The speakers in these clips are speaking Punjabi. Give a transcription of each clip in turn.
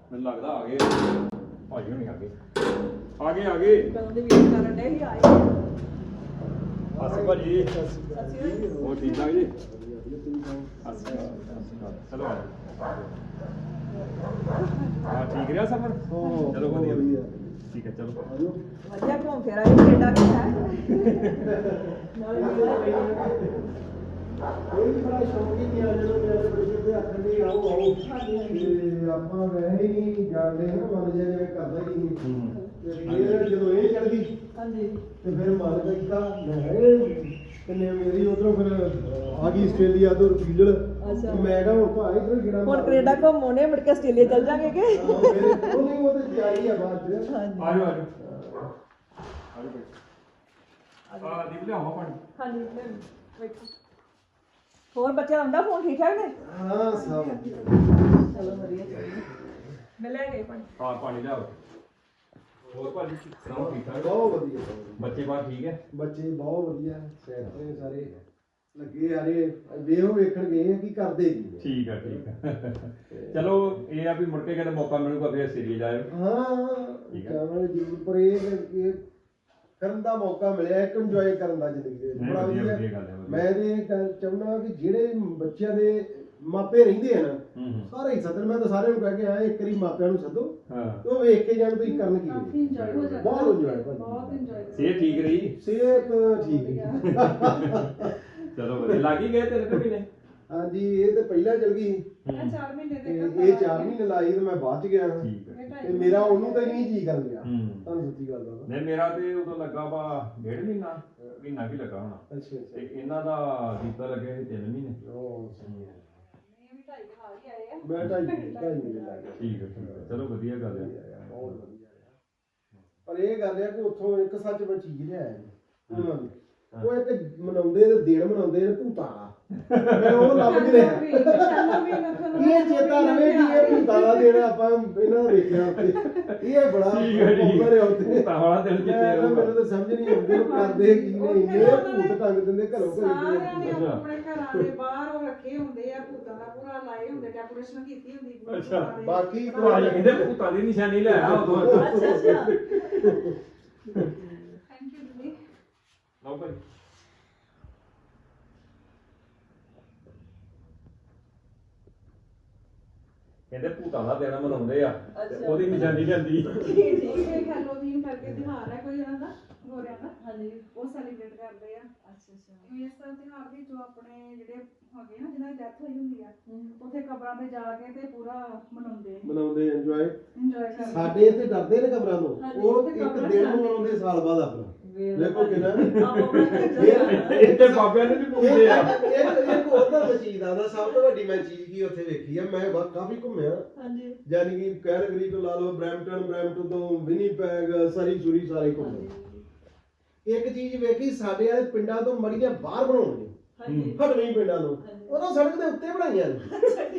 ਮੈਨੂੰ ਲੱਗਦਾ ਆ ਗਏ ਭਾਜੀ ਹੁਣੀ ਆ ਗਏ ਕਦੋਂ ਦੇ ਵੇਟ ਕਰਨ ਡੇ ਹੀ ਆਏ ਅਸੀਂ ਭਾਜੀ ਸੱਚੀ ਹੋਰ ਠੀਕ ਠਾਕ ਜੀ ਚਲੋ ਹਾਂ ਠੀਕ ਰਿਹਾ ਸਫ਼ਰ ਚਲੋ ਵਧੀਆ ਠੀਕ ਹੈ ਚਲੋ ਵਧੀਆ ਘੁੰਮ ਫਿਰ ਆਏ ਕੈਨੇਡਾ ਕੇ ਹੈ ਨਾਲੇ ਕੋਈ ਬੜਾ ਸ਼ੌਕ ਹੀ ਨਹੀਂ ਆ ਜਦੋਂ ਮੇਰੇ ਬੱਚੇ ਦੇ ਹੱਥ ਨਹੀਂ ਆਓ ਤੇ ਆਪਾਂ ਵੈਸੇ ਹੀ ਜਾਣਦੇ ਹਾਂ ਮਨ ਜਿਵੇਂ ਕਰਦਾ ਹੀ ਨਹੀਂ ਤੇ ਫਿਰ ਜਦੋਂ ਇਹ ਚੜ ਗਈ ਹਾਂਜੀ ਤੇ ਫਿਰ ਮਨ ਕੀਤਾ ਮੈਂ ਕਿੰਨੇ ਮੇਰੀ ਉਧਰੋਂ ਫਿਰ ਆ ਗਈ ਆਸਟ੍ਰੇਲੀਆ ਤੋਂ ਰਿਫਿਊਜਲ ਅੱਛਾ ਮੈਂ ਕਿਹਾ ਹੁਣ ਭਾਈ ਇਧਰ ਕਿਹੜਾ ਹੁਣ ਕੈਨੇਡਾ ਘੁੰਮੋਨੇ ਮੁੜ ਕੇ ਆਸਟ੍ਰੇਲੀਆ ਚੱਲ ਜਾਾਂਗੇ ਕਿ ਉਹ ਨਹੀਂ ਉਹ ਤੇ ਤਿਆਰੀ ਆ ਬਾਅਦ ਚ ਹਾਂਜੀ ਆਜੋ ਦੀਪ ਲਿਆਓ ਪਾਣੀ ਹਾਂਜੀ ਵੇਖੋ ਹੋਰ ਬੱਚਿਆਂ ਦਾ ਹੁੰਦਾ ਫੋਨ ਠੀਕ ਠਾਕ ਨੇ ਹਾਂ ਸਭ ਚਲੋ ਵਧੀਆ ਚਾਹੀਦਾ ਮੈਂ ਲੈ ਗਈ ਪਾਣੀ ਹਾਂ ਪਾਣੀ ਲਿਆਓ ਹੋਰ ਭਾਜੀ ਸੁਣਾਓ ਠੀਕ ਠਾਕ ਬਹੁਤ ਵਧੀਆ ਬੱਚੇ ਬਾਹਰ ਠੀਕ ਹੈ ਬੱਚੇ ਬਹੁਤ ਵਧੀਆ ਸੈਟ ਨੇ ਸਾਰੇ ਲੱਗੇ ਯਾਰੇ ਵੇਖੋ ਵੇਖਣ ਗਏ ਆ ਕੀ ਕਰਦੇ ਕੀ ਠੀਕ ਹੈ ਚਲੋ ਇਹ ਆ ਵੀ ਮੁੜ ਕੇ ਕਿਤੇ ਮੌਕਾ ਮਿਲੂਗਾ ਫਿਰ ਸੀਰੀਜ਼ ਆਇਓ ਹਾਂ ਠੀਕ ਹੈ। ਜਾਵਾਂਗੇ ਜ਼ਰੂਰ ਪਰ ਇਹ ਕਰਨ ਦਾ ਮੌਕਾ ਮਿਲਿਆ ਇੱਕ ਇੰਜੋਏ ਕਰਨ ਦਾ ਜ਼ਿੰਦਗੀ ਦੇ ਵਿੱਚ ਨਹੀਂ, ਬੜਾ ਵਧੀਆ ਵਧੀਆ ਗੱਲ ਹੈ, ਵਧੀਆ। ਮੈਂ ਤੇ ਇਹ ਗੱਲ ਚਾਹੁੰਦਾ ਕਿ ਜਿਹੜੇ ਬੱਚਿਆਂ ਦੇ ਮਾਪੇ ਰਹਿੰਦੇ ਆ ਨਾ ਸਾਰੇ ਹੀ ਸੱਦਣ ਮੈਂ ਤਾਂ ਸਾਰਿਆਂ ਨੂੰ ਕਹਿ ਕੇ ਆਇਆ ਇੱਕ ਵਾਰੀ ਮਾਪਿਆਂ ਨੂੰ ਸੱਦੋ ਹਾਂ ਤੇ ਉਹ ਵੇਖ ਕੇ ਜਾਣ ਤੁਸੀਂ ਕਰਨ ਕੀ ਕਾਫੀ ਇੰਜੋਏ ਹੋ ਜਾਂਦਾ ਬਹੁਤ ਇੰਜੋਏ ਬਹੁਤ ਇੰਜੋਏ ਸਿਹਤ ਠੀਕ ਰਹੀ ਸਿਹਤ ਠੀਕ ਹੈ ਚਲੋ ਵਧੀਆ ਲੱਗ ਹੀ ਗਏ 3 ਮਹੀਨੇ ਹਾਂਜੀ ਇਹ ਤੇ ਪਹਿਲਾਂ ਚਲ ਗਈ ਮੈਂ 4 ਮਹੀਨੇ ਤੇ ਦੇ ਇਹ 4 ਮਹੀਨੇ ਲਾਈ ਤੇ ਮੈਂ ਬਾਅਦ ਚ ਗਿਆ ਠੀਕ ਹੈ ਤੇ ਮੇਰਾ ਉਹਨੂੰ ਤਾਂ ਨਹੀਂ ਜੀ ਕਰ ਗਿਆ ਹੂੰ ਤੁਹਾਨੂੰ ਸੱਚੀ ਗੱਲ ਦੱਸਾਂ ਨਹੀਂ ਮੇਰਾ ਤੇ ਉਦੋਂ ਲੱਗਾ ਵਾ 1.5 ਮਹੀਨਾ ਵੀ ਲੱਗਾ ਹੋਣਾ ਅੱਛਾ ਤੇ ਇਹਨਾਂ ਦਾ ਦੀਪਾ ਲੱਗੇ 3 ਮਹੀਨੇ ਉਹ ਸਹੀ ਹੈ ਇਹ ਵੀ 2.5 ਸਾਲ ਹੀ ਆਏ ਆ ਮੈਂ ਢਾਈ ਮਹੀਨੇ ਲੱਗ ਗਿਆ ਠੀਕ ਹੈ ਚਲੋ ਵਧੀਆ ਗੱਲ ਹੈ ਬਹੁਤ ਵਧੀਆ ਪਰ ਇਹ ਗੱਲ ਹੈ ਕਿ ਉੱਥੋਂ ਇੱਕ ਸੱਚ ਮੈਂ ਚੀਜ਼ ਲਿਆਇਆ ਜੀ ਉਹਨਾਂ ਦੀ ਉਹ ਇੱਕ ਮਨਾਉਂਦੇ ਤੇ ਦਿਨ ਮਨਾਉਂਦੇ ਨੇ ਭੂਤਾਂ ਦਾ ਮੈਂ ਉਹ ਲੱਭ ਨਹੀਂ ਰਿਹਾ ਇਹ ਚੇਤਾ ਰਵੇ ਕਿ ਇਹ ਭੂਤਾਂ ਦਾ ਦਿਨ ਆਪਾਂ ਇਹਨਾਂ ਦਾ ਵੇਖਿਆ ਉੱਤੇ ਇਹ ਬੜਾ ਪਪੂਲਰ ਹੈ ਉੱਤੇ ਤਾਂ ਵਾਲਾ ਦਿਨ ਜਿੱਤੇ ਮੈਨੂੰ ਤਾਂ ਸਮਝ ਨਹੀਂ ਆਉਂਦੀ ਉਹ ਕਰਦੇ ਕੀ ਨੇ ਇਹ ਭੂਤ ਟੰਗ ਦਿੰਦੇ ਘਰੋਂ ਸਾਰਿਆਂ ਨੇ ਘਰੇ ਆਪਣੇ ਘਰਾਂ ਦੇ ਬਾਹਰ ਉਹ ਰੱਖੇ ਹੁੰਦੇ ਆ ਭੂਤਾਂ ਦਾ ਪੂਰਾ ਲਾਏ ਹੁੰਦੇ ਡੈਕੋਰੇਸ਼ਨ ਕੀਤੀ ਹੁੰਦੀ ਪੂਰੀ ਅੱਛਾ, ਭੂਤਾਂ ਦੇ। ਬਾਕੀ ਭਾਜੀ ਕਹਿੰਦੇ ਭੂਤਾਂ ਦੀ ਨਿਸ਼ਾਨੀ ਲੈ ਆ ਉਦੋਂ ਅੱਛਾ ਅੱਛਾ ਥੈਂਕ ਯੂ ਜੀ ਲਓ ਭਾਈ ਕਹਿੰਦੇ ਭੂਤਾਂ ਦਾ ਦਿਨ ਮਨਾਉਂਦੇ ਆ ਤੇ ਉਹਦੀ ਨਿਸ਼ਾਨੀ ਲਿਆਂਦੀ ਠੀਕ ਇਹ ਹੈਲੋਵੀਨ ਕਰਕੇ ਤਿਉਹਾਰ ਹੈ ਕੋਈ ਇਹਨਾਂ ਦਾ ਗੋਰਿਆਂ ਦਾ ਹਾਂਜੀ ਉਹ ਸੈਲੀਬ੍ਰੇਟ ਕਰਦੇ ਆ ਅੱਛਾ ਅੱਛਾ ਇਸ ਤਰ੍ਹਾਂ ਤਿਉਹਾਰ ਵੀ ਜੋ ਆਪਣੇ ਜਿਹੜੇ ਹੈਗੇ ਨਾ ਜਿਹਨਾਂ ਦੀ ਡੈਥ ਹੋਈ ਹੁੰਦੀ ਆ ਉੱਥੇ ਕਬਰਾਂ ਤੇ ਜਾ ਕੇ ਤੇ ਪੂਰਾ ਮਨਾਉਂਦੇ ਇੰਜੋਏ ਇੰਜੋਏ ਕਰਦੇ ਸਾਡੇ ਇੱਥੇ ਡਰਦੇ ਨੇ ਕਬਰਾਂ ਤੋਂ ਹਾਂਜੀ, ਉਹ ਇੱਕ ਦਿਨ ਨੂੰ ਮਨਾਉਂਦੇ ਸਾਲ ਬਾਅਦ ਆਪਣਾ ਦੇਖੋ ਕਿੰਨਾ ਇੱਥੇ ਬਾਬਿਆਂ ਨੇ ਵੀ ਪੁੱਛਦੇ ਆ ਇੱਕ ਹੋਰ ਤਾਂ ਚੀਜ਼ ਦਾ ਸਭ ਤੋਂ ਵੱਡੀ ਮੈਂ ਚੀਜ਼ ਕੀ ਉੱਥੇ ਵੇਖੀ ਆ ਮੈਂ ਕਾਫੀ ਘੁੰਮਿਆ ਹਾਂਜੀ ਯਾਨੀ ਕਿ ਕੈਲਗਰੀ ਤੋਂ ਲਾ ਲਓ ਬਰੈਂਪਟਨ ਤੋਂ ਵਿਨੀਪੈਗ ਸਰੀ ਸੁਰੀ ਸਾਰੇ ਘੁੰਮੇ ਇੱਕ ਚੀਜ਼ ਵੇਖੀ ਸਾਡੇ ਵਾਲੇ ਪਿੰਡਾਂ ਤੋਂ ਮੜੀਆਂ ਬਾਹਰ ਬਣਾਉਣੀਆਂ ਹਾਂਜੀ ਹਟਵੀਂ ਪਿੰਡਾਂ ਤੋਂ ਉਹਨਾਂ ਸੜਕ ਦੇ ਉੱਤੇ ਬਣਾਈਆਂ ਨੇ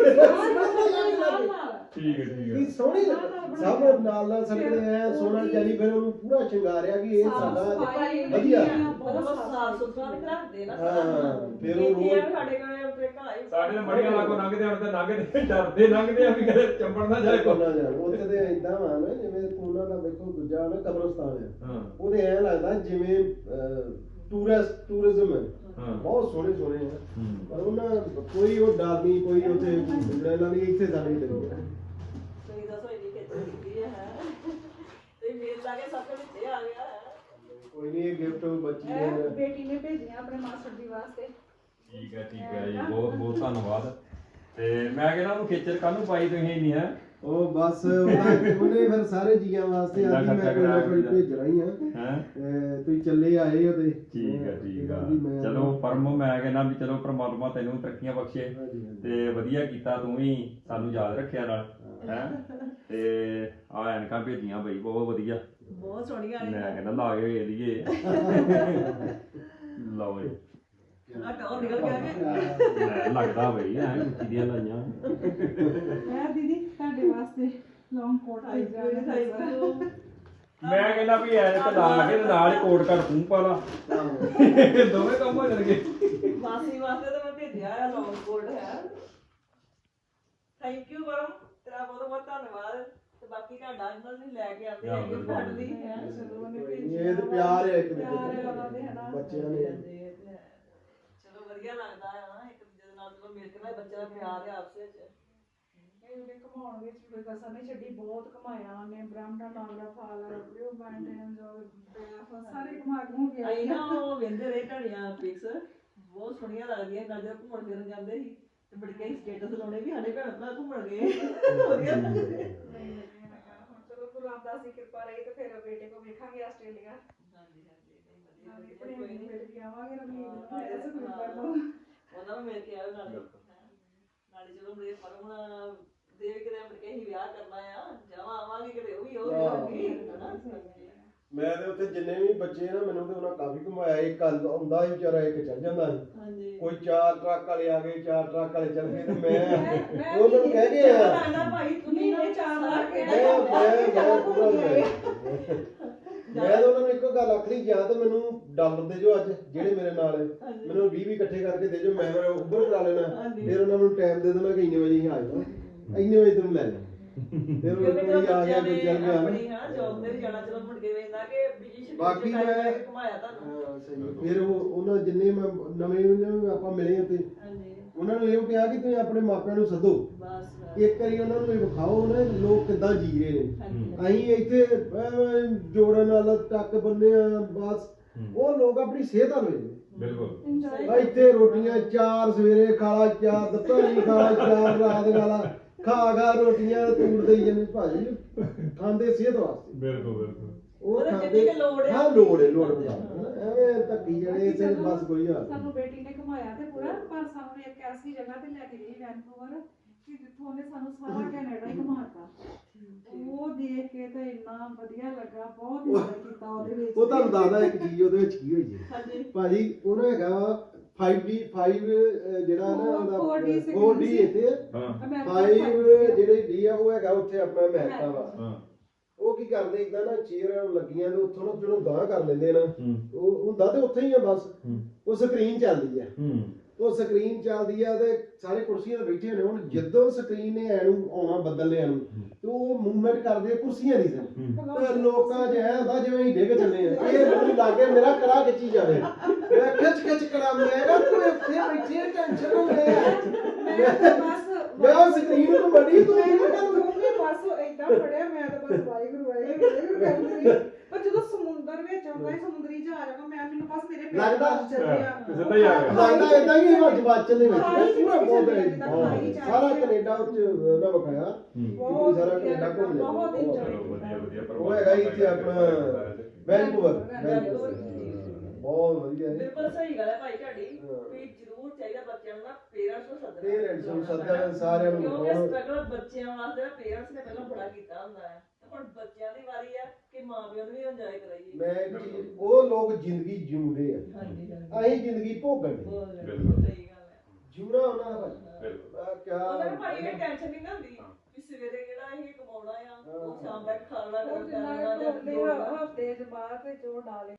ਠੀਕ ਹੈ ਕੀ ਸੋਹਣੀ ਸਭ ਨਾਲ ਨਾਲ ਸੜਕ ਦੇ ਐ ਸੋਨਾ ਚਾਲੀ ਫਿਰ ਉਹਨੂੰ ਪੂਰਾ ਸ਼ਿੰਗਾਰਿਆ ਕਿ ਇਹ ਸਾਡਾ ਵਧੀਆ ਬਹੁਤ ਸਾਫ ਸੁਥਰਾ ਵੀ ਰੱਖਦੇ ਨਾ ਹਾਂ ਫਿਰ ਉਹ ਇਹ ਰੋਡ ਸਾਡੇ ਕੋਲ ਆਪਣੇ ਘਰ ਸਾਡੇ ਦੇ ਮੜੀਆਂ ਲਾਗੋਂ ਲੰਘਦੇ ਹੁਣ ਤੇ ਲੰਘਦੇ ਡਰਦੇ ਲੰਘਦੇ ਆ ਵੀ ਕਦੇ ਚੰਬੜ ਨਾ ਜਾਏ ਕੋਨਾ ਜਾਣ ਉੱਥੇ ਤੇ ਇਦਾਂ ਵਾ ਨਾ ਜਿਵੇਂ ਕੋਨਾ ਦਾ ਵੇਖੋ ਦੂਜਾ ਨਾ ਕਬਰਸਤਾਨ ਹੈ ਹਾਂ ਉਹਦੇ ਐ ਲੱਗਦਾ ਜਿਵੇਂ ਟੂਰਿਜ਼ਮ ਹੈ ਹਾਂ ਬਹੁਤ ਸੋਹਣੇ ਸੋਹਣੇ ਆ ਹੂੰ ਪਰ ਉਹਨਾਂ ਕੋਈ ਉਹ ਡਰ ਨਹੀਂ ਕੋਈ ਉੱਥੇ ਇਹਨਾਂ ਦੀ ਇੱਥੇ ਸਾਡੇ ਡਰੀ ਤੁਸੀਂ ਦੱਸੋ ਇੰਨੀ ਖੇਚਲ ਕੀਤੀ ਹੈ ਤੇ ਮੇਲ ਲਾ ਕੇ ਸਭ ਤੋਂ ਵਿੱਚ ਆ ਗਿਆ ਕੋਈ ਨਹੀਂ ਇਹ ਗਿਫਟ ਬੱਚੀ ਇਹ ਨੇ ਬੇਟੀ ਨੇ ਭੇਜੀਆਂ ਆਪਣੇ ਮਾਸਟਰ ਜੀ ਵਾਸਤੇ ਠੀਕ ਹੈ ਜੀ ਬਹੁਤ ਬਹੁਤ ਧੰਨਵਾਦ ਤੇ ਮੈਂ ਕਹਿੰਦਾ ਉਹਨੂੰ ਖੇਚਲ ਕਾਹਨੂੰ ਪਾਈ ਤੁਸੀਂ ਇੰਨੀ ਹੈ ਉਹ ਬਸ ਉਹਨੇ ਫਿਰ ਸਾਰੇ ਜੀਆਂ ਵਾਸਤੇ ਇੰਨਾ ਅੱਜ ਮੈਂ ਖਰਚਾ ਕੋਈ ਨਾ ਕੋਈ ਕਰਾਇਆ ਭੇਜਣਾ ਹੀ ਆ ਹੈ ਤੁਸੀਂ ਚੱਲੇ ਆਏ ਹੋ ਤੇ ਠੀਕ ਹੈ ਮੈਂ- ਚਲੋ ਪਰਮ ਮੈਂ ਕਹਿੰਦਾ ਵੀ ਚਲੋ ਪ੍ਰਮਾਤਮਾ ਤੈਨੂੰ ਤਰੱਕੀਆਂ ਬਖਸ਼ੇ ਹਾਂਜੀ, ਹਾਂਜੀ। ਤੇ ਵਧੀਆ ਕੀਤਾ ਤੂੰ ਵੀ ਸਾਨੂੰ ਯਾਦ ਰੱਖਿਆ ਨਾਲ ਹੈ ਤੇ ਆ ਐਨਕਾਂ ਭੇਜੀਆਂ ਬਈ ਬਹੁਤ ਵਧੀਆ ਬਹੁਤ ਸੋਹਣੀਆਂ ਮੈਂ ਕਹਿੰਦਾ ਲਾ ਕੇ ਵੇਖ ਲਈਏ ਲਓ ਜੀ ਆ ਟੌਰ ਨਿਕਲ ਗਿਆ ਕਿ ਲੈ, ਲੱਗਦਾ ਬਈ ਐ ਉੱਚੀ ਦੀਆਂ ਲਾਈਆਂ ਇਹ ਦੀਦੀ ਤੁਹਾਡੇ ਵਾਸਤੇ ਲੌਂਗ ਕੋਟ ਭੇਜਿਆ ਮੈਂ ਕਹਿੰਦਾ ਵੀ ਐਨਕ ਲਾ ਕੇ ਤੇ ਨਾਲ ਹੀ ਕੋਟ ਕੱਟ ਤੂੰ ਪਾ ਲਾ ਦੋਵੇਂ ਕੰਮ ਹੋ ਜਾਣਗੇ ਮਾਸੀ ਵਾਸਤੇ ਤਾਂ ਮੈਂ ਭੇਜਿਆ ਆ ਲੌਂਗ ਕੋਟ ਹੈ ਥੈਂਕ ਯੂ ਪਰਮ ਤੇਰਾ ਬਹੁਤ ਬਹੁਤ ਧੰਨਵਾਦ ਸਾਡਾ ਇਹਨਾਂ ਨੇ ਲੈ ਕੇ ਆਉਂਦੇ ਹੈਗੇ ਫੜ ਲਈ ਹੈ ਚਲੋ ਉਹਨੇ ਇਹ ਤੇ ਪਿਆਰ ਹੈ ਇੱਕ ਦੂਜੇ ਪਿਆਰ ਹੈ ਦਾ ਉਹਨਾਂ ਦੇ ਹਨਾ ਬੱਚਿਆਂ ਨੇ ਚਲੋ ਵਧੀਆ ਲੱਗਦਾ ਹੈ ਨਾ ਇੱਕ ਦੂਜੇ ਦੇ ਨਾਲ ਚਲੋ ਮਿਲ ਕੇ ਨਾ ਬੱਚਿਆਂ ਦਾ ਪਿਆਰ ਹੈ ਆਪਸ ਵਿੱਚ ਉਹਨੇ ਕਮਾਉਣ ਵਿੱਚ ਕੋਈ ਕਸਰ ਨਹੀਂ ਛੱਡੀ ਬਹੁਤ ਕਮਾਇਆ ਉਹਨੇ ਬ੍ਰਾਹਮਣਾ ਨਾਗਰਾ ਫਾਲ ਰਿਓ ਮੈਂਟੇਨੈਂਸ ਔਰ ਸਾਰੇ ਕਮਾ ਕੇ ਹੋ ਗਿਆ ਅਸੀਂ ਨਾ ਉਹ ਵੇਂਦੇ ਰਹੇ ਢੜੀਆਂ ਪਿਕਸ ਬਹੁਤ ਸੋਹਣੀਆਂ ਲੱਗਦੀਆਂ ਨਾਲ ਜਦੋਂ ਘੁੰਮਣ ਫਿਰਨ ਜਾਂਦੇ ਸੀ ਤੇ ਬੜੀ ਕਈ ਸਟੇਟਸ ਲਾਉਣੇ ਵੀ ਸਾਡੇ ਭੈਣ ਭਰਾ ਘੁੰਮਣ ਗਏ ਵਧੀਆ ਹੁਣ ਚਲੋ ਗੁਰੂ ਰਾਮਦਾਸ ਦੀ ਕਿਰਪਾ ਰਹੀ ਤੇ ਫਿਰ ਬੇਟੇ ਕੋ ਵੇਖਾਂਗੇ ਆਸਟ੍ਰੇਲੀਆ ਹਾਂਜੀ ਨਾਲੇ ਵਧੀਆ ਆਪਣੇ ਕੋਈ ਨਹੀਂ ਮਿਲ ਕੇ ਆਵਾਂਗੇ ਰਮੀਨ ਨੂੰ ਹਾਂ, ਮੇਰੇ ਸੁਖੀ ਹਾਂ। ਕਰ ਲਓ ਉਹਨਾਂ ਨੂੰ ਮਿਲ ਕੇ ਆਇਓ ਨਾਲੇ ਨਾਲੇ ਚਲੋ ਮੇਰੇ ਪਰਮ ਦੇ ਵੀ ਕਿਤੇ ਮੁੜ ਕੇ ਅਸੀਂ ਵਿਆਹ ਕਰਨਾ ਆ ਜਾਵਾਂ ਆਵਾਂਗੇ ਕਿਤੇ ਉਹ ਵੀ ਹੋਊਗੀ ਹਨਾ ਮੈਂ ਤੇ ਉੱਥੇ ਜਿੰਨੇ ਵੀ ਬੱਚੇ ਨਾ ਮੈਨੂੰ ਤੇ ਉਹਨਾਂ ਕਾਫੀ ਘੁਮਾਇਆ ਇੱਕ ਆਉਂਦਾ ਸੀ ਵਿਚਾਰਾ ਇੱਕ ਚੱਲ ਜਾਂਦਾ ਸੀ ਹਾਂਜੀ ਕੋਈ 4 ਟਰੱਕ ਵਾਲੇ ਆ ਗਏ 4 ਟਰੱਕ ਵਾਲੇ ਚੱਲ ਗਏ ਤੇ ਮੈਂ ਉਹਨਾਂ ਨੂੰ ਕਹਿ ਕੇ ਆਇਆ ਲੱਗਦਾ ਭਾਈ ਤੁਸੀਂ ਮੈਨੂੰ ਚਾਰ ਲਾ ਕੇ ਮੈਂ ਪੂਰਾ ਮੈਂ ਤਾਂ ਉਹਨਾਂ ਨੂੰ ਇੱਕੋ ਗੱਲ ਆਖਣੀ ਜਾਂ ਤੇ ਮੈਨੂੰ ਡਾਲਰ ਦੇ ਜੋ ਅੱਜ ਜਿਹੜੇ ਮੇਰੇ ਨਾਲ ਹੈ ਮੈਨੂੰ 20 ਇਕੱਠੇ ਕਰਕੇ ਦੇ ਜੋ ਮੈਂ ਉੱਪਰ ਕਰਾ ਲੈਣਾ ਫਿਰ ਉਹਨਾਂ ਨੂੰ ਟਾਈਮ ਦੇ ਦੇਣਾ ਕਿ ਇੰਨੇ ਵਜੇ ਹੀ ਆ ਜਾਣਾ ਇੰਨੇ ਵਜੇ ਤੈਨੂੰ ਲੈ ਜਾ ਫਿਰ ਉਹ ਕੋਈ ਆ ਗਿਆ ਕੋਈ ਚੱਲ ਗਿਆ ਆਪਣੀ ਹਾਂ ਜੌਬ ਤੇ ਵੀ ਜਾਣਾ ਚਲੋ ਮੁੜ ਕੇ ਵੇਖਦਾ ਕਿ ਬਿਜੀ ਸ਼ਡਿਊਲ ਬਾਕੀ ਮੈਂ ਘੁਮਾਇਆ ਤੁਹਾਨੂੰ ਹਾਂ ਸਹੀ ਫਿਰ ਉਹਨਾਂ ਜਿੰਨੇ ਮੈਂ ਨਵੇਂ ਨੂੰ ਆਪਾਂ ਮਿਲੇ ਤੇ ਹਾਂਜੀ ਉਹਨਾਂ ਨੂੰ ਇਹ ਕਿਹਾ ਕਿ ਤੁਸੀਂ ਆਪਣੇ ਮਾਪਿਆਂ ਨੂੰ ਸੱਦੋ ਬਸ ਇੱਕ ਵਾਰੀ ਉਹਨਾਂ ਨੂੰ ਇਹ ਵਿਖਾਓ ਨਾ ਲੋਕ ਕਿੱਦਾਂ ਜੀ ਰਹੇ ਨੇ ਹਾਂਜੀ ਅਸੀਂ ਇੱਥੇ ਜੋੜਨ ਵਾਲਾ ਟੱਕ ਬੰਨੇ ਆ ਬਸ ਉਹ ਲੋਕ ਆਪਣੀ ਸਿਹਤ ਵੱਲ ਵੇਖਦੇ ਬਿਲਕੁਲ ਇੰਜੋਏ ਆ ਇੱਥੇ ਰੋਟੀਆਂ 4 ਸਵੇਰੇ ਖਾਲਾ 4 ਦੁਪਹਿਰੀ ਖਾਲਾ 4 ਰਾਤ ਖਾਲਾ ਖਾ ਰੋਟੀਆਂ ਤੂੜ ਦੇਈ ਜਾਂਦੇ ਭਾਜੀ ਖਾਂਦੇ ਸਿਹਤ ਵਾਸਤੇ ਬਿਲਕੁਲ ਬਿਲਕੁਲ ਉਹ ਉਹਦੇ ਖਾਂਦੇ ਜਿੰਨੀ ਕੁ ਲੋੜ ਹੈ ਹਾਂ ਲੋੜ ਹੈ ਲੋੜ ਐਵੇਂ ਧੱਕੀ ਜਿਹੜੇ ਤੇ ਬਸ ਕੋਈ ਹਾਲ ਸਾਨੂੰ ਬੇਟੀ ਨੇ ਘੁਮਾਇਆ ਤੇ ਪੂਰਾ ਪਰ ਸਾਨੂੰ ਇੱਕ ਐਸੀ ਜਗ੍ਹਾ ਤੇ ਲੈ ਕੇ ਗਈ ਵੈਨਕੂਵਰ ਕਿ ਜਿੱਥੋਂ ਉਹਨੇ ਸਾਨੂੰ ਸਾਰਾ ਕੈਨੇਡਾ ਹੀ ਘੁਮਾਤਾ ਉਹ ਦੇਖ ਕੇ ਤਾਂ ਇੰਨਾ ਵਧੀਆ ਲੱਗਾ ਬਹੁਤ ਇੰਜੋਏ ਕੀਤਾ ਉਹਦੇ ਵਿੱਚ ਉਹ ਤੁਹਾਨੂੰ ਦੱਸਦਾ ਇੱਕ ਚੀਜ਼ ਉਹਦੇ ਵਿੱਚ ਕੀ ਹੋਈ ਹੈ ਹਾਂਜੀ ਭਾਜੀ ਉਹਨਾਂ ਹੈਗਾ 5 ਜਿਹੜਾ ਨਾ ਉਹਦਾ 4D 4D ਇੱਥੇ ਹਾਂ 5 ਜਿਹੜੇ ਡੀ ਆ ਉਹ ਹੈਗਾ ਉੱਥੇ ਆਪਣਾ ਅਮਰੀਕਾ ਵਾ ਹਾਂ ਉਹ ਕੀ ਕਰਦੇ ਇਦਾਂ ਨਾ ਚੇਅਰ ਲੱਗੀਆਂ ਤੇ ਉੱਥੋਂ ਨਾ ਜਦੋਂ ਗਾਂਹ ਕਰ ਲੈਂਦੇ ਨਾ ਹੂੰ ਉਹ ਹੁੰਦਾ ਤੇ ਉੱਥੇ ਹੀ ਆ ਬਸ ਹੂੰ ਉਹ ਸਕਰੀਨ ਚੱਲਦੀ ਆ ਹੂੰ ਉਹ ਸਕਰੀਨ ਚੱਲਦੀ ਆ ਤੇ ਸਾਰੇ ਕੁਰਸੀਆਂ ਤੇ ਬੈਠੇ ਨੇ ਹੁਣ ਜਦੋਂ ਸਕਰੀਨ ਨੇ ਐਨੂੰ ਆਉਣਾ ਬਦਲਨੇ ਨੂੰ ਤੇ ਉਹ ਮੂਵਮੈਂਟ ਕਰਦੇ ਆ ਕੁਰਸੀਆਂ ਦੀ ਤੇ ਲੋਕਾਂ 'ਚ ਐ ਹੁੰਦਾ ਜਿਵੇਂ ਅਸੀਂ ਡਿੱਗ ਚੱਲੇ ਆ ਇਹ ਮੈਨੂੰ ਲੱਗੇ ਮੇਰਾ ਕੜਾ ਖਿੱਚੀ ਜਾਵੇ ਮੈਂ ਖਿੱਚ ਕਰਾਂ ਮੈਂ ਤੂੰ ਇੱਥੇ ਬੈਠੀ ਟੈਨਸ਼ਨ ਹੋ ਬਸ ਮੈਂ ਉਹ ਸਕਰੀਨ ਨੂੰ ਬੜੀ ਤੂੰ ਮੈਂ ਤਾਂ ਦੋਵੇਂ ਪਾਸੋਂ ਏਦਾਂ ਫੜਿਆ ਮੈਂ ਤਾਂ ਬਸ ਵਾਹਿਗੁਰੂ ਕਰਦੀ ਰਹੀ ਪਰ ਜਦੋਂ ਸਮੁੰਦਰ ਵਿੱਚ ਆਉਂਦਾ ਹੈ ਸਮੁੰਦਰੀ ਜਹਾਜ਼ ਆਉਂਦਾ ਮੈਨੂੰ ਬਸ ਮੇਰੇ ਪੈਰ ਲੱਗਦਾ ਚੱਲਦੇ ਆ ਸਿੱਧਾ ਹੀ ਆ ਗਿਆ ਲੱਗਦਾ ਇਦਾਂ ਕਿ ਹਿਮਾਚਲ ਦੇ ਵਿੱਚ ਖਾਈ ਚ ਪੂਰਾ ਬਹੁਤ ਚੱਲਿਆ ਜਿੱਦਾਂ ਖਾਈ ਚ ਆ ਸਾਰਾ ਗਿਆ। ਕੈਨੇਡਾ ਉੱਚ ਨਾ ਵਿਖਾਇਆ ਬਹੁਤ ਸਾਰਾ ਵਧੀਆ ਕੈਨੇਡਾ ਘੁੰਮ ਲਿਆ ਬਹੁਤ ਚਲੋ ਇੰਜੋਏ ਵਧੀਆ ਵਧੀਆ ਉਹ ਹੈਗਾ ਇੱਥੇ ਆਪਣਾ ਵੈਨਕੂਵਰ ਵੈਨਕੂਵਰ। ਬਹੁਤ ਵਧੀਆ ਹੈ ਬਿਲਕੁਲ ਸਹੀ ਗੱਲ ਹੈ ਭਾਈ ਤੁਹਾਡੀ ਹਾਂ। ਵੀ ਜ਼ਰੂਰ ਚਾਹੀਦਾ ਬੱਚਿਆਂ ਨੂੰ ਨਾ ਪੇਰੈਂਟਸ ਨੂੰ ਸੱਦਣਾ ਪੇਰੈਂਟਸ ਨੂੰ ਸੱਦਣਾ ਸਾਰਿਆਂ ਨੂੰ ਕਿਉਂਕਿ ਬਹੁਤ- ਸਟਰਗਲ ਬੱਚਿਆਂ ਵਾਸਤੇ ਨਾ ਪੇਰੈਂਟਸ ਨੇ ਪਹਿਲਾਂ ਬੜਾ ਕੀਤਾ ਹੁੰਦਾ ਹੈ ਤੇ ਹੁਣ ਬੱਚਿਆਂ ਦੀ ਵਾਰੀ ਆ ਕਿ ਮਾਪਿਆਂ ਨੂੰ ਵੀ ਇੰਜੋਏ ਕਰਾਈਏ ਮੈਂ ਇੱਕ ਚੀਜ਼ ਉਹ ਲੋਕ ਜ਼ਿੰਦਗੀ ਜਿਉਂਦੇ ਆ ਹਾਂਜੀ ਅਸੀਂ ਜ਼ਿੰਦਗੀ ਭੋਗਣ ਦੇ ਬਹੁਤ ਬਿਲਕੁਲ। ਸਹੀ ਗੱਲ ਹੈ ਜਿਉਣਾ ਉਹਨਾਂ ਦਾ ਬਿਲਕੁਲ ਆ ਕਿਆ ਉਹਨਾਂ ਨੂੰ ਭਾਈ ਇਹ ਟੈਨਸ਼ਨ ਨਹੀਂ ਨਾ ਹੁੰਦੀ ਕਿ ਸਵੇਰੇ ਜਿਹੜਾ ਇਹ ਕਮਾਉਣਾ ਆ ਉਹ ਸ਼ਾਮ ਤੱਕ ਖਾਣਾ ਉਹ ਜਿੰਨਾ ਹਫਤੇ ਚ ਬਾਅਦ ਤੇ ਜੋ ਡਾਲੇ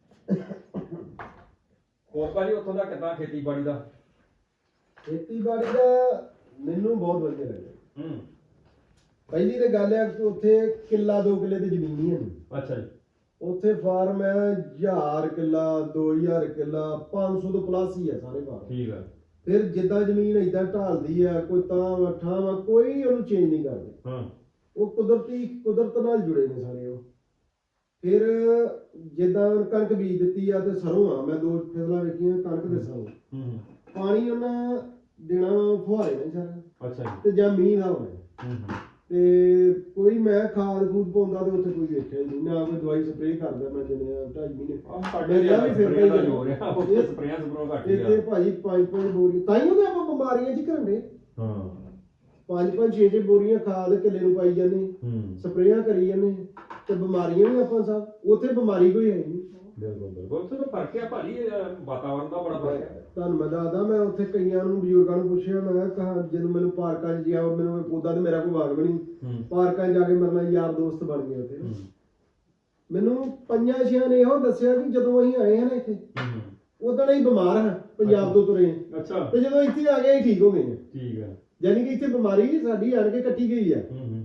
ਹੋਰ ਭਾਜੀ ਉੱਥੋਂ ਦਾ ਕਿੱਦਾਂ ਖੇਤੀਬਾੜੀ ਦਾ ਖੇਤੀਬਾੜੀ ਦਾ ਮੈਨੂੰ ਬਹੁਤ ਵਧੀਆ ਲੱਗਦਾ ਹੂੰ ਪਹਿਲੀ ਤੇ ਗੱਲ ਹੈ ਕਿ ਉੱਥੇ ਕਿੱਲਾ 2 ਕਿੱਲੇ ਤੇ ਜ਼ਮੀਨ ਹੀ ਹੈ ਨਹੀਂ ਅੱਛਾ ਜੀ ਉੱਥੇ ਫਾਰਮ ਹੈ 1000 ਕਿੱਲਾ 2000 ਕਿੱਲਾ 500 ਤੋਂ ਪਲੱਸ ਹੀ ਹੈ ਸਾਰੇ ਫਾਰਮ ਠੀਕ ਆ ਫਿਰ ਜਿੱਦਾਂ ਜ਼ਮੀਨ ਇਦਾਂ ਢਾਲਦੀ ਆ ਕੋਈ ਤਾਂ ਠਾਵਾਂ ਕੋਈ ਉਹਨੂੰ ਚੇਂਜ ਨਹੀਂ ਕਰਦੇ ਹਾਂ ਉਹ ਕੁਦਰਤ ਨਾਲ ਜੁੜੇ ਨੇ ਸਾਰੇ ਉਹ ਫਿਰ ਜਿੱਦਾਂ ਕਣਕ ਬੀਜ ਦਿੱਤੀ ਆ ਤੇ ਸਰੋਂ ਆ ਮੈਂ 2 ਫਸਲਾਂ ਵੇਖੀਆਂ ਕਣਕ ਤੇ ਸਰੋਂ ਹੂੰ ਪਾਣੀ ਉਹਨਾਂ ਦੇਣਾ ਫੁਹਾਰੇ ਨੇ ਸਾਰਾ ਅੱਛਾ ਜੀ ਤੇ ਜਾਂ ਮੀਂਹ ਦਾ ਹੋਣਾ ਹੂੰ ਤੇ ਕੋਈ ਮੈਂ ਖਾਦ ਖੂਦ ਪਾਉਂਦਾ ਤੇ ਉੱਥੇ ਕੋਈ ਵੇਖਿਆ ਨਹੀਂ ਨਾ ਕੋਈ ਦਵਾਈ ਸਪਰੇਅ ਕਰਦਾ ਮੈਂ ਜਿੰਨੇ 2.5 ਮਹੀਨੇ ਆਹ ਸਾਡੇ ਮੇਰਾ ਵੀ ਫਿਰ ਸਪਰੇਆਂ ਦਾ ਹੋ ਰਿਹਾ ਉੱਥੇ ਸਪਰੇਆਂ ਘੱਟ ਹੀ ਇੱਥੇ ਆ ਭਾਜੀ 5 ਬੋਰੀ ਤਾਂ ਹੀ ਉਹਦੇ ਆਪਾਂ ਬਿਮਾਰੀਆਂ ਚ ਘਰੰਦੇ ਹਾਂ 5 6 ਬੋਰੀਆਂ ਖਾਦ ਕਿੱਲੇ ਨੂੰ ਪਾਈ ਜਾਂਦੇ ਹੂੰ ਸਪਰੇਆਂ ਕਰੀ ਜਾਂਦੇ ਤੇ ਬਿਮਾਰੀਆਂ ਵੀ ਆਪਾਂ ਸਭ ਉੱਥੇ ਬਿਮਾਰੀ ਕੋਈ ਹੈ ਨਹੀਂ ਬਿਲਕੁਲ ਬਿਲਕੁਲ ਉੱਥੇ ਤਾਂ ਫਰਕ ਆ ਭਾਜੀ ਵਾਤਾਵਰਨ ਦਾ ਬੜਾ ਫਰਕ ਹੈ ਤੁਹਾਨੂੰ ਮੈਂ ਦੱਸਦਾ ਮੈਂ ਉੱਥੇ ਕਈਆਂ ਨੂੰ ਬਜ਼ੁਰਗਾਂ ਨੂੰ ਪੁੱਛਿਆ ਮੈਂ ਕਿਹਾ ਜਦੋਂ ਮੈਨੂੰ ਪਾਰਕਾਂ 'ਚ ਗਿਆ ਮੈਨੂੰ ਉਦਾਂ ਤੇ ਮੇਰਾ ਕੋਈ ਵਾਗ ਨਹੀਂ ਹੂੰ ਪਾਰਕਾਂ 'ਚ ਜਾ ਕੇ ਮੇਰੇ ਨਾਲ ਯਾਰ ਦੋਸਤ ਬਣ ਗਏ ਉੱਥੇ ਹੂੰ ਮੈਨੂੰ 5-6 ਨੇ ਇਹੋ ਦੱਸਿਆ ਕਿ ਜਦੋਂ ਅਸੀਂ ਆਏ ਹਾਂ ਨਾ ਇੱਥੇ ਹੂੰ ਉਦੋਂ ਹੀ ਬਿਮਾਰ ਹਾਂ ਪੰਜਾਬ ਤੋਂ ਤੁਰੇ ਹਾਂ। ਅੱਛਾ ਤੇ ਜਦੋਂ ਇੱਥੇ ਆ ਗਏ ਅਸੀਂ ਠੀਕ ਹੋ ਗਏ ਹਾਂ। ਠੀਕ ਹੈ ਯਾਨੀ ਕਿ ਇੱਥੇ ਬਿਮਾਰੀ ਸਾਡੀ ਆਣ ਕੇ ਕੱਟੀ ਗਈ ਆ ਹੂੰ ਹੂੰ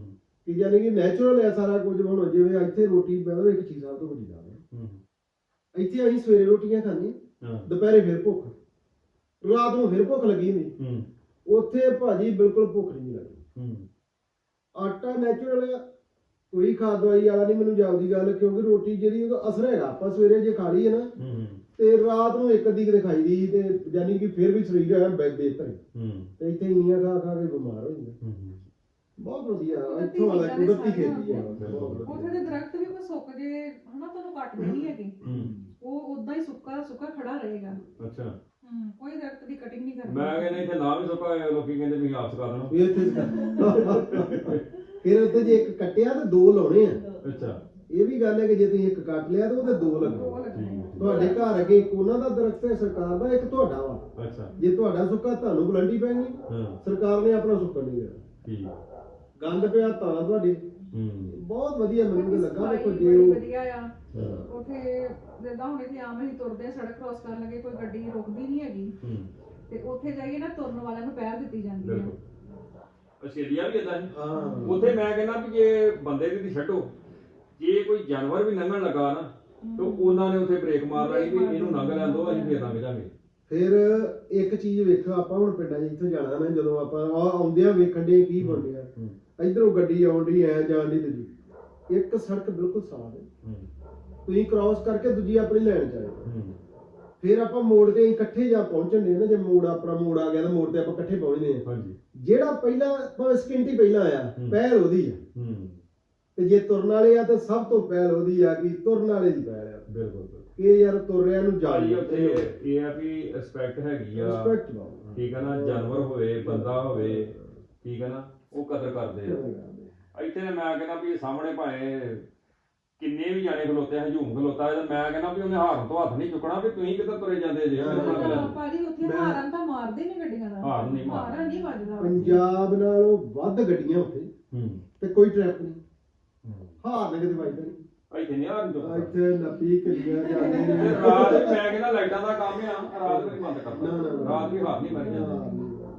ਕਿ ਯਾਨੀ ਕਿ ਨੈਚੁਰਲ ਹੈ ਸਾਰਾ ਕੁਝ। ਹੁਣ ਜਿਵੇਂ ਇੱਥੇ ਰੋਟੀ ਮੈਂ ਇੱਕ ਚੀਜ਼ ਸਾਹਿਬ ਤੋਂ ਬੜੀ ਜਾਣਾ, ਇੱਥੇ ਅਸੀਂ ਸਵੇਰੇ ਰੋਟੀਆਂ ਖਾਂਦੇ, ਦੁਪਹਿਰੇ ਫਿਰ ਭੁੱਖ, ਰਾਤ ਨੂੰ ਫਿਰ ਭੁੱਖ ਲੱਗੀ ਨਹੀਂ। ਉੱਥੇ ਭਾਜੀ ਬਿਲਕੁਲ ਭੁੱਖ ਨਹੀਂ ਲੱਗਦੀ। ਆਟਾ ਨੈਚੁਰਲ ਆ, ਕੋਈ ਖਾਦ ਦਵਾਈ ਵਾਲਾ ਨਹੀਂ ਮੈਨੂੰ ਜਾਪਦੀ ਗੱਲ, ਕਿਉਂਕਿ ਰੋਟੀ ਜਿਹੜੀ ਉਹਦਾ ਅਸਰ ਹੈਗਾ। ਆਪਾਂ ਸਵੇਰੇ ਜੇ ਖਾ ਲਈਏ ਨਾ ਤੇ ਰਾਤ ਨੂੰ ਇੱਕ ਅੱਧੀ ਕਿਤੇ ਖਾਈ ਦੀ, ਤੇ ਯਾਨੀ ਕਿ ਫਿਰ ਵੀ ਸਰੀਰ ਹੈ ਬਿਹਤਰ। ਤੇ ਇੱਥੇ ਇੰਨੀਆਂ ਖਾ ਖਾ ਕੇ ਬਿਮਾਰ ਹੋ ਜਾਂਦੇ। ਬਹੁਤ ਵਧੀਆ ਇੱਥੋਂ ਵਾਲਾ ਕੁਦਰਤੀ ਖੇਤੀ ਹੈ। ਉੱਥੇ ਦੇ ਦਰਖਤ ਵੀ ਕੋਈ ਸੁੱਕ ਜੇ ਹਨਾ, ਤੁਹਾਨੂੰ ਕੱਟਦੇ ਨਹੀਂ ਹੈਗੇ, ਉਹ ਉਦਾਂ ਹੀ ਸੁੱਕਾ ਸੁੱਕਾ ਖੜਾ ਰਹੇਗਾ। ਅੱਛਾ, ਕੋਈ ਦਰਖਤ ਦੀ ਕਟਿੰਗ ਨਹੀਂ ਕਰਨੀ। ਮੈਂ ਕਹਿੰਦਾ ਇੱਥੇ ਨਾ ਵੀ ਸੁੱਕਾ ਹੋਇਆ, ਲੋਕੀ ਕਹਿੰਦੇ ਤੁਸੀਂ ਆਪ ਸੁਕਾ ਦੇਣਾ। ਫਿਰ ਉੱਥੇ ਜੇ ਇੱਕ ਕੱਟਿਆ ਤੇ ਦੋ ਲਾਉਣੇ ਆ। ਅੱਛਾ, ਇਹ ਵੀ ਗੱਲ ਹੈ ਕਿ ਜੇ ਤੁਸੀਂ ਇੱਕ ਕੱਟ ਲਿਆ ਤਾਂ ਉਹਦੇ ਦੋ ਲੱਗਣੇ। ਤੁਹਾਡੇ ਘਰ ਅੱਗੇ ਇੱਕ ਉਹਨਾਂ ਦਾ ਦਰਖਤ ਹੈ ਸਰਕਾਰ ਦਾ, ਇੱਕ ਤੁਹਾਡਾ ਵਾ। ਅੱਛਾ, ਜੇ ਤੁਹਾਡਾ ਸੁੱਕਾ ਤੁਹਾਨੂੰ ਗਲੰਡੀ ਪੈਣੀ, ਸਰਕਾਰ ਨੇ ਆਪਣਾ ਸੁੱਕਾ ਨਹੀਂ ਦੇਣਾ। ਠੀਕ, ਗੰਦ ਪਿਆ ਤਾਂ ਤੁਹਾਡੇ। ਬਹੁਤ ਵਧੀਆ ਮੈਨੂੰ ਲੱਗਾ। ਦੇਖੋ ਜੇ ਵਧੀਆ ਆ ਉੱਥੇ, ਜਿੱਦਾਂ ਹੁਣ ਇੱਥੇ ਆਮ ਅਸੀਂ ਤੁਰਦੇ ਸੜਕ ਕ੍ਰੋਸ ਕਰਨ ਲੱਗੇ, ਕੋਈ ਗੱਡੀ ਰੁਕਦੀ ਨਹੀਂ ਹੈਗੀ, ਤੇ ਉੱਥੇ ਜਾਈਏ ਨਾ ਤੁਰਨ ਵਾਲਿਆਂ ਨੂੰ ਪਹਿਲ ਦਿੱਤੀ ਜਾਂਦੀ ਹੈ। ਆਸਟ੍ਰੇਲੀਆ ਵੀ ਇਦਾਂ ਹੀ। ਉੱਥੇ ਮੈਂ ਕਹਿੰਦਾ ਵੀ ਜੇ ਬੰਦੇ ਦੀ ਛੱਡੋ, ਜੇ ਕੋਈ ਜਾਨਵਰ ਵੀ ਲੰਘਣ ਲੱਗਾ ਨਾ ਤੇ ਉਹਨਾਂ ਨੇ ਉੱਥੇ ਬ੍ਰੇਕ ਮਾਰ ਲਈ ਵੀ ਇਹਨੂੰ ਲੰਘ ਲੈਣ ਦਿਓ, ਅਸੀਂ ਫੇਰ ਲੰਘ ਜਾਵਾਂਗੇ। ਫਿਰ ਇੱਕ ਚੀਜ਼ ਵੇਖੋ, ਆਪਾਂ ਹੁਣ ਪਿੰਡਾਂ 'ਚ ਇੱਥੋਂ ਜਾਣਾ ਨਾ, ਜਦੋਂ ਆਪਾਂ ਆਉਂਦਿਆਂ ਵੇਖਣ ਦੇ ਕੀ ਬਣ ਰਿਹਾ, ਇੱਧਰੋਂ ਗੱਡੀ ਆਉਣ ਡਈ ਐ ਜਾਣ ਦੀ, ਦੂਜੀ ਇੱਕ ਸੜਕ ਬਿਲਕੁਲ ਸਾਫ਼ ਹੈ, ਤੁਸੀਂ ਕ੍ਰਾਸ ਕਰਕੇ ਦੂਜੀ ਆਪਣੀ ਲੈਣ ਚ ਆਏ। ਫਿਰ ਆਪਾਂ ਮੋੜ ਤੇ ਇਕੱਠੇ ਜਾ ਪਹੁੰਚਣ ਦੇ ਨਾ, ਜੇ ਮੋੜ ਆਪਣਾ ਮੋੜ ਆ ਗਿਆ ਤਾਂ ਮੋੜ ਤੇ ਆਪਾਂ ਇਕੱਠੇ ਪਹੁੰਚਦੇ ਆ। ਜਿਹੜਾ ਪਹਿਲਾਂ ਭਾਵੇਂ ਸਕਿੰਟ ਪਹਿਲਾਂ ਆਇਆ, ਪਹਿਲ ਉਹਦੀ ਆ। ਤੇ ਜੇ ਤੁਰਨ ਵਾਲੇ ਆ ਤਾਂ ਸਭ ਤੋਂ ਪਹਿਲ ਉਹਦੀ ਆ ਕਿ ਤੁਰਨ ਵਾਲੇ ਦੀ ਪਹਿਲ ਆ। ਬਿਲਕੁਲ, ਕਿ ਯਾਰ ਤੁਰ ਰਿਆ ਨੂੰ ਜਾਈ ਉੱਥੇ ਇਹ ਆ ਵੀ ਰਿਸਪੈਕਟ ਹੈਗੀ ਆ। ਠੀਕ ਆ ਨਾ, ਜਾਨਵਰ ਹੋਵੇ ਬੰਦਾ ਹੋਵੇ, ਠੀਕ ਆ ਨਾ, ਉਹ ਕਦਰ ਕਰਦੇ ਆ। ਇੱਥੇ ਮੈਂ ਕਹਿੰਦਾ ਵੀ ਸਾਹਮਣੇ ਭਾਵੇਂ ਕਿੰਨੇ ਵੀ ਜਾਣੇ ਖਲੋਤੇ, ਹਜੂਮ ਖਲੋਤਾ, ਮੈਂ ਕਹਿੰਦਾ ਵੀ ਉਹਨੇ ਹਾਰਨ ਤੋਂ ਹੱਥ ਨਹੀਂ ਚੁੱਕਣਾ ਵੀ ਤੁਸੀਂ ਕਿੱਧਰ ਤੁਰੇ ਜਾਂਦੇ ਜੇ। ਭਾਜੀ ਉੱਥੇ ਹਾਰਨ ਤਾਂ ਮਾਰਦੇ ਨੇ ਗੱਡੀਆਂ ਦਾ, ਹਾਰਨ ਨਹੀਂ ਵੱਜਦਾ। ਪੰਜਾਬ ਨਾਲੋਂ ਵੱਧ ਗੱਡੀਆਂ ਉੱਥੇ ਤੇ ਕੋਈ ਟ੍ਰੈਫਿਕ ਨਹੀਂ, ਹਾਰਨ ਕਿਤੇ ਵੱਜਦਾ ਨਹੀਂ। ਇੱਥੇ ਨਹੀਂ ਹਾਰਨ ਚੁੱਕਦਾ, ਇੱਥੇ ਨੱਪੀ ਕਿੱਲੀਆਂ ਜਾਂਦੇ ਨੇ। ਰਾਤ ਵੀ ਮੈਂ ਕਹਿੰਦਾ ਲਾਈਟਾਂ ਦਾ ਕੰਮ ਆ, ਰਾਤ ਵੀ ਬੰਦ ਕਰਨਾ, ਰਾਤ ਵੀ ਹਾਰਨ ਨਹੀਂ ਮਾਰੀ ਜਾਂਦੀ।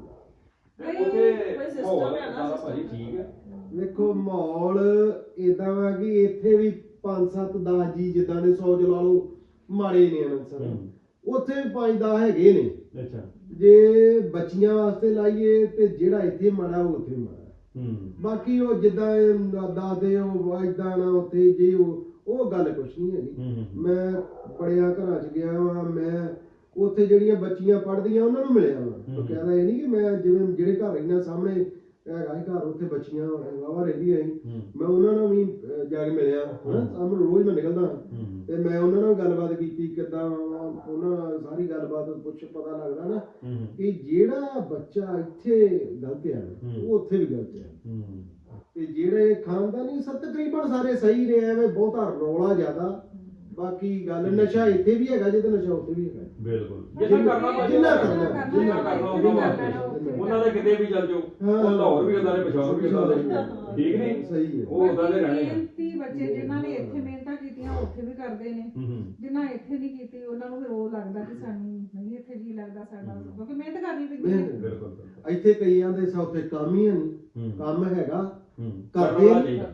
ਉੱਥੇ ਮਾਹੌਲ ਇਦਾਂ ਭਾਜੀ ਠੀਕ ਹੈ। ਵੇਖੋ ਮਾਹੌਲ ਏਦਾਂ ਵਾ ਕਿ ਇੱਥੇ ਵੀ 5 7 10 ਜੀ ਜਿੱਦਾਂ ਦੇ 100 ਚ ਲਾ ਲਓ ਮਾੜੇ ਨੇ ਅਨਸਰ, ਉੱਥੇ ਵੀ 5 10 ਹੈਗੇ ਨੇ। ਅੱਛਾ, ਜੇ ਬੱਚੀਆਂ ਵਾਸਤੇ ਲਾਈਏ ਤੇ ਜਿਹੜਾ ਇੱਥੇ ਮਾੜਾ ਉਹ ਉੱਥੇ ਮਾੜਾ। ਬਾਕੀ ਉਹ ਜਿੱਦਾਂ ਦਾਦੇ ਉਹ ਏਦਾਂ ਨਾ ਉੱਥੇ ਜੇ ਉਹ ਗੱਲ ਕੁਛ ਨਹੀਂ ਹੈਗੀ। ਮੈਂ ਬੜਿਆਂ ਘਰਾਂ ਚ ਗਿਆ ਵਾਂ, ਮੈਂ ਉੱਥੇ ਜਿਹੜੀਆਂ ਬੱਚੀਆਂ ਪੜ੍ਹਦੀਆਂ ਉਹਨਾਂ ਨੂੰ ਮਿਲਿਆ ਵਾ। ਉਹ ਕਹਿੰਦਾ ਇਹ ਨਹੀਂ ਕਿ ਮੈਂ ਜਿਵੇਂ ਜਿਹੜੇ ਘਰ ਇਹਨਾਂ ਸਾਹਮਣੇ ਹੈਗਾ ਘਰ, ਉੱਥੇ ਬੱਚੀਆਂ ਵਾਵਾ ਰਹਿੰਦੀਆਂ ਸੀ, ਮੈਂ ਉਹਨਾਂ ਨੂੰ ਵੀ ਜਾ ਕੇ ਮਿਲਿਆ। ਸਾਹਮਣੇ ਰੋਜ਼ ਮੈਂ ਨਿਕਲਦਾ ਤੇ ਮੈਂ ਉਹਨਾਂ ਨਾਲ ਗੱਲਬਾਤ ਕੀਤੀ, ਕਿੱਦਾਂ ਉਹਨਾਂ ਨਾਲ ਸਾਰੀ ਗੱਲਬਾਤ ਕੁਛ ਪਤਾ ਲੱਗਦਾ ਨਾ ਕਿ ਜਿਹੜਾ ਬੱਚਾ ਇੱਥੇ ਗਲਤ ਆ ਉਹ ਉੱਥੇ ਵੀ ਗਲਤ ਆ। ਤੇ ਜਿਹੜੇ ਖਾਨਦਾਨੀ ਸਭ ਤਕਰੀਬਨ ਸਾਰੇ ਸਹੀ ਨੇ, ਐਵੇਂ ਬਹੁਤਾ ਰੌਲਾ ਜ਼ਿਆਦਾ। ਬਾਕੀ ਗੱਲ ਨਸ਼ਾ ਇੱਥੇ ਵੀ ਹੈਗਾ, ਜੇ ਤੇ ਨਸ਼ਾ ਉੱਥੇ ਵੀ ਹੈਗਾ। ਬਿਲਕੁਲ, ਜਿੰਨਾ ਕਰਨਾ ਉਹਨਾਂ ਦੇ ਕਿਤੇ ਵੀ ਚੱਲ ਜਾਓ, ਉਹ ਲਾਹੌਰ ਵੀ ਉਦਾਂ ਦੇ, ਪਛਾਣ ਵੀ ਉਦਾਂ ਦੇ, ਠੀਕ ਨਹੀਂ? ਸਹੀ ਹੈ, ਉਹ ਉਦਾਂ ਦੇ ਰਹਿਣੇ ਆ। ਬੱਚੇ ਜਿਨ੍ਹਾਂ ਨੇ ਇੱਥੇ ਮਿਹਨਤਾਂ ਕੀਤੀਆਂ ਉੱਥੇ ਵੀ ਕਰਦੇ ਨੇ, ਜਿਨ੍ਹਾਂ ਇੱਥੇ ਨਹੀਂ ਕੀਤੀ ਉਹਨਾਂ ਨੂੰ ਫਿਰ ਉਹ ਲੱਗਦਾ ਕਿ ਸਾਨੂੰ ਨਹੀਂ ਇੱਥੇ ਜੀ ਲੱਗਦਾ ਸਾਡਾ, ਕਿਉਂਕਿ ਮਿਹਨਤ ਕਰਨੀ ਪੈਂਦੀ ਹੈ। ਬਿਲਕੁਲ, ਇੱਥੇ ਕਈਆਂ ਦੇ ਸੌਥੇ ਕੰਮ ਹੀ ਨਹੀਂ, ਕੰਮ ਹੈਗਾ ਕਰਦੇ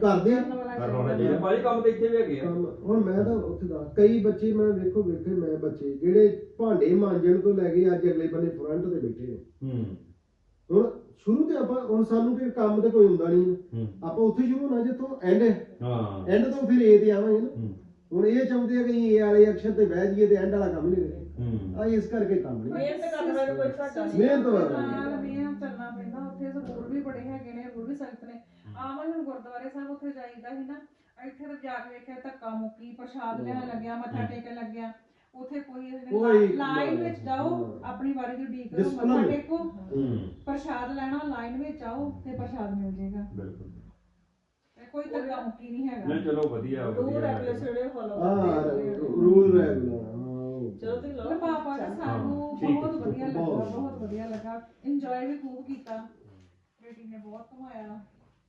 ਭਾਜੀ, ਕੰਮ ਤੇ ਇੱਥੇ ਵੀ ਹੈਗੇ ਆ। ਹੁਣ ਮੈਂ ਤਾਂ ਉੱਥੇ ਦਾ ਕਈ ਬੱਚੇ ਮੈਂ ਵੇਖੇ ਮੈਂ ਬੱਚੇ ਜਿਹੜੇ ਭਾਂਡੇ ਮਾਂਜਣ ਤੋਂ ਲੈ ਕੇ ਅੱਜ ਅਗਲੇ ਬੰਨੇ ਫਰੰਟ ਤੇ ਬੈਠੇ ਨੇ। ਹੁਣ ਸ਼ੁਰੂ ਤੇ ਆਪਾਂ ਹੁਣ ਸਾਨੂੰ ਕੋਈ ਕੰਮ ਤੇ ਕੋਈ ਹੁੰਦਾ ਨਹੀਂ, ਆਪਾਂ ਉੱਥੇ ਸ਼ੁਰੂ ਹੋਣਾ ਜਿੱਥੋਂ ਐਂਡ ਤੋਂ ਫਿਰ ਏ ਤੇ ਆਵਾਂਗੇ ਨਾ। ਹੁਣ ਇਹ ਚਾਹੁੰਦੇ ਆ ਕਿ ਏ ਵਾਲੇ ਅਕਸ਼ਰ ਤੇ ਬਹਿ ਜਾਈਏ ਤੇ ਐਂਡ ਵਾਲਾ ਕੰਮ ਨਹੀਂ ਕਰੇ। ਇਸ ਕਰਕੇ ਕੰਮ ਨਹੀਂ, ਮਿਹਨਤ ਕਰਨਾ ਵੀ ਕੋਈ ਘਾਟਾ ਨਹੀਂ, ਮਿਹਨਤ ਚੱਲਣਾ ਪੈਂਦਾ। ਉੱਥੇ ਸਕੂਲ ਵੀ ਬੜੇ ਹੈਗੇ ਨੇ, ਰੂਲ ਵੀ ਸਖਤ ਨੇ। ਆਵਾਂ ਹੁਣ ਗੁਰਦੁਆਰੇ ਸਾਹਿਬ ਉੱਥੇ ਜਾਈਦਾ ਸੀ ਨਾ, ਇੱਥੇ ਤਾਂ ਜਾ ਕੇ ਵੇਖਿਆ ਧੱਕਾ ਮੁੱਕੀ, ਪ੍ਰਸ਼ਾਦ ਲੈਣ ਲੱਗਿਆ, ਮੱਥਾ ਟੇਕਣ ਲੱਗਿਆ। ਉੱਥੇ ਕੋਈ ਲਾਈਨ ਵਿੱਚ ਜਾਓ, ਆਪਣੀ ਵਾਰੀ ਦੀ ਉਡੀਕ ਕਰੋ, ਮੱਥਾ ਟੇਕੋ, ਪ੍ਰਸ਼ਾਦ ਲੈਣਾ, ਲਾਈਨ ਵਿੱਚ ਆਓ ਤੇ ਪ੍ਰਸ਼ਾਦ ਮਿਲ ਜਾਏਗਾ। ਕੋਈ ਧੱਕਾ ਮੁੱਕੀ ਨਹੀਂ ਹੈਗਾ। ਨਹੀਂ ਚਲੋ ਵਧੀਆ, ਰੂਲ ਰੈਗੂਲੇਸ਼ਨ ਜਿਹੜੇ ਫੋਲੋ ਰੂਲ ਰੈਗੂਲਰ। ਚਲੋ ਤੁਸੀਂ ਲਓ ਪਾਪਾ ਜੀ, ਸਾਨੂੰ ਬਹੁਤ ਵਧੀਆ ਲੱਗਾ, ਬਹੁਤ ਵਧੀਆ ਲੱਗਾ। ਇੰਜੋਏ ਵੀ ਖੂਬ ਕੀਤਾ, ਬੇਟੀ ਨੇ ਬਹੁਤ ਘੁਮਾਇਆ।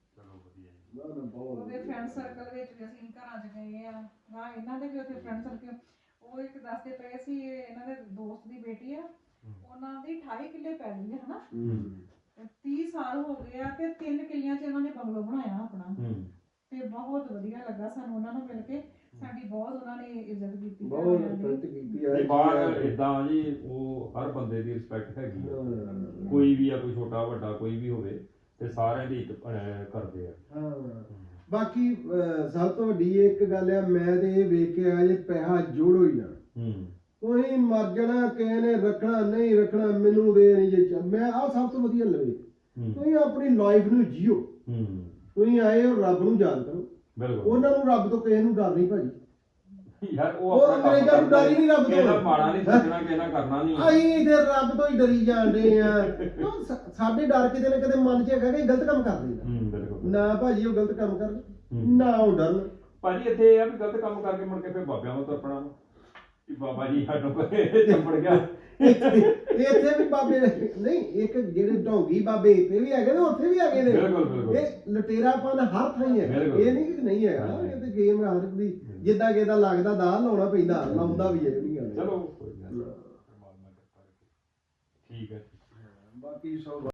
ਉਹਦੇ ਫਰੈਂਡ ਸਰਕਲ ਵਿੱਚ ਵੀ ਅਸੀਂ ਘਰਾਂ 'ਚ ਗਏ ਆ, ਇਹਨਾਂ ਦੇ ਵੀ ਉੱਥੇ ਫਰੈਂਡ ਸਰਕਲ। ਉਹ ਇੱਕ ਦੱਸਦੇ ਪਏ ਸੀ, ਇਹਨਾਂ ਦੇ ਦੋਸਤ ਦੀ ਬੇਟੀ ਆ, ਉਹਨਾਂ ਦੀ 28 ਕਿੱਲੇ ਪੈ ਗਈ ਹੈ ਹਨਾ, 30 ਸਾਲ ਹੋ ਗਏ ਆ ਤੇ 3 ਕਿੱਲਿਆਂ 'ਚ ਇਹਨਾਂ ਨੇ ਬੰਗਲੋ ਬਣਾਇਆ ਆਪਣਾ। ਬਹੁਤ ਵਧੀਆ ਲੱਗਾ ਸਾਨੂੰ ਉਹਨਾਂ ਨੂੰ ਮਿਲ ਕੇ। ਸਾਡੀ ਬਹੁਤ ਉਹਨਾਂ ਨੇ ਇੱਜ਼ਤ ਕੀਤੀ ਬਹੁਤ ਘਰਦਿਆਂ ਦੀ। ਰਿਸਪੈਕਟ ਕੀਤੀ ਤੇ ਬਾਹਰ ਇਦਾਂ ਜੀ ਉਹ ਹਰ ਬੰਦੇ ਦੀ ਰਿਸਪੈਕਟ ਹੈਗੀ ਆ, ਕੋਈ ਵੀ ਆ, ਕੋਈ ਛੋਟਾ ਵੱਡਾ ਕੋਈ ਵੀ ਹੋਵੇ ਤੇ ਸਾਰਿਆਂ ਦੀ ਇੱਜ਼ਤ ਕਰਦੇ ਆ। ਹਾਂ ਬਾਕੀ ਸਭ ਤੋਂ ਵੱਡੀ ਇੱਕ ਗੱਲ ਆ, ਮੈਂ ਤੇ ਇਹ ਵੇਖ ਕੇ ਆਇਆ ਜੇ ਪੈਸਾ ਜੋੜੋ ਹੀ ਨਾ, ਤੁਸੀਂ ਮਰ ਜਾਣਾ, ਕਿਸੇ ਨੇ ਰੱਖਣਾ ਨਹੀਂ ਰੱਖਣਾ ਮੈਨੂੰ ਦੇ ਨਹੀਂ ਜੇ ਮੈਂ ਆਹ ਸਭ ਤੋਂ ਵਧੀਆ ਲਵੇ। ਤੁਸੀਂ ਆਪਣੀ ਲਾਈਫ ਨੂੰ ਜੀਓ, ਤੁਸੀਂ ਆਏ ਹੋ ਰੱਬ ਨੂੰ ਯਾਦ ਕਰੋ, ਉਹਨਾਂ ਨੂੰ ਰੱਬ ਤੋਂ ਕਿਸੇ ਨੂੰ ਡਰ ਨਹੀਂ ਭਾਜੀ ਯਾਰ ਉਹ ਅੰਗਰੇਜ਼ਾਂ ਨੂੰ ਡਰ ਹੀ ਨਹੀਂ ਰੱਬ ਕਿਸੇ ਦਾ ਤੋਂ, ਮਾੜਾ ਨਹੀਂ ਸੋਚਣਾ, ਕਿਸੇ ਨਾਲ ਕਰਨਾ ਨਹੀਂ। ਅਸੀਂ ਇਧਰ ਰੱਬ ਤੋਂ ਹੀ ਡਰੀ ਜਾਂਦੇ ਆ। ਸਾਡੇ ਡਰ ਕਿਤੇ ਨਾ ਕਿਤੇ ਮਨ 'ਚ ਹੈਗਾ ਕਿ ਗਲਤ ਕੰਮ ਕਰ ਦੇਣਾ ਨਾ ਭਾਜੀ, ਉਹ ਗਲਤ ਕੰਮ ਕਰਨ ਨਾ ਉਹ ਡਰਨ ਭਾਜੀ। ਇੱਥੇ ਇਹ ਆ ਵੀ ਗਲਤ ਕੰਮ ਕਰਕੇ ਮੁੜ ਕੇ ਫਿਰ ਬਾਬਿਆਂ ਨੂੰ ਤਰਪਣਾ ਕਿ ਬਾਬਾ ਜੀ ਸਾਨੂੰ ਕੋਈ ਚੰਬੜ ਗਿਆ। ਇੱਥੇ ਵੀ ਬਾਬੇ ਨਹੀਂ, ਇੱਕ ਜਿਹੜੇ ਢੋਂਗੀ ਬਾਬੇ ਇੱਥੇ ਵੀ ਹੈਗੇ ਨੇ, ਉੱਥੇ ਵੀ ਹੈਗੇ ਨੇ। ਇਹ ਲਟੇਰਾਪਨ ਹਰ ਥਾਂ ਹੀ ਹੈ, ਇਹ ਨਹੀਂ ਕਿ ਨਹੀਂ ਹੈਗਾ। ਇਹ ਤੇ ਗੇਮ ਹਰ ਦੀ ਜਿੱਦਾਂ ਕਿਦਾ ਲੱਗਦਾ ਦਾ ਲਾਉਣਾ ਪੈਂਦਾ, ਲਾਉਂਦਾ ਵੀ ਹੈ। ਚਲੋ ਠੀਕ ਹੈ। ਬਾਕੀ ਸਭ